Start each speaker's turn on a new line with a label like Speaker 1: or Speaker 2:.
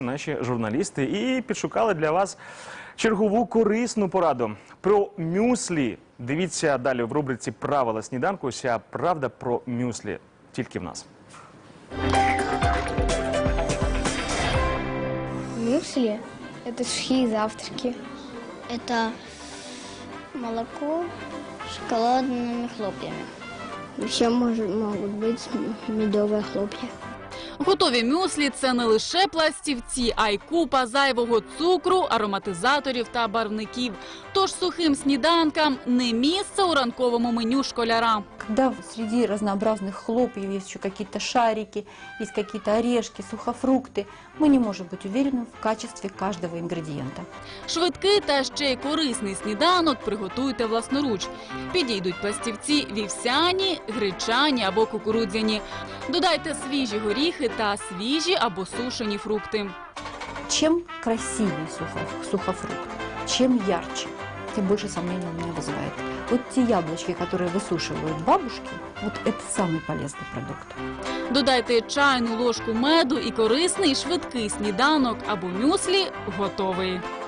Speaker 1: Наші журналісти і підшукали для вас чергову корисну пораду про мюслі. Дивіться далі в рубриці «Правила сніданку». Вся правда про мюслі тільки в нас.
Speaker 2: Мюсли – это сухие завтраки.
Speaker 3: Это молоко с шоколадными хлопьями.
Speaker 2: Еще могут быть медовые хлопья.
Speaker 4: Готові мюслі – це не лише пластівці, а й купа зайвого цукру, ароматизаторів та барвників. Тож сухим сніданкам не місце у ранковому меню школяра.
Speaker 5: Когда среди разнообразных хлопьев есть еще какие-то шарики, есть какие-то орешки, сухофрукты, мы не можем быть уверены в качестве каждого ингредиента.
Speaker 4: Швидкий та ще й корисний сніданок приготуйте власноруч. Підійдуть пластівці вівсяні, гречані або кукурудзяні. Додайте свіжі горіхи та свіжі або сушені фрукти.
Speaker 5: Чем красивее сухофрукт, чем ярче, тем больше сомнений у меня вызывает. Вот те яблочки, которые высушивают бабушки, вот это самый полезный продукт.
Speaker 4: Додайте чайну ложку меду і корисний швидкий сніданок або мюслі готовий.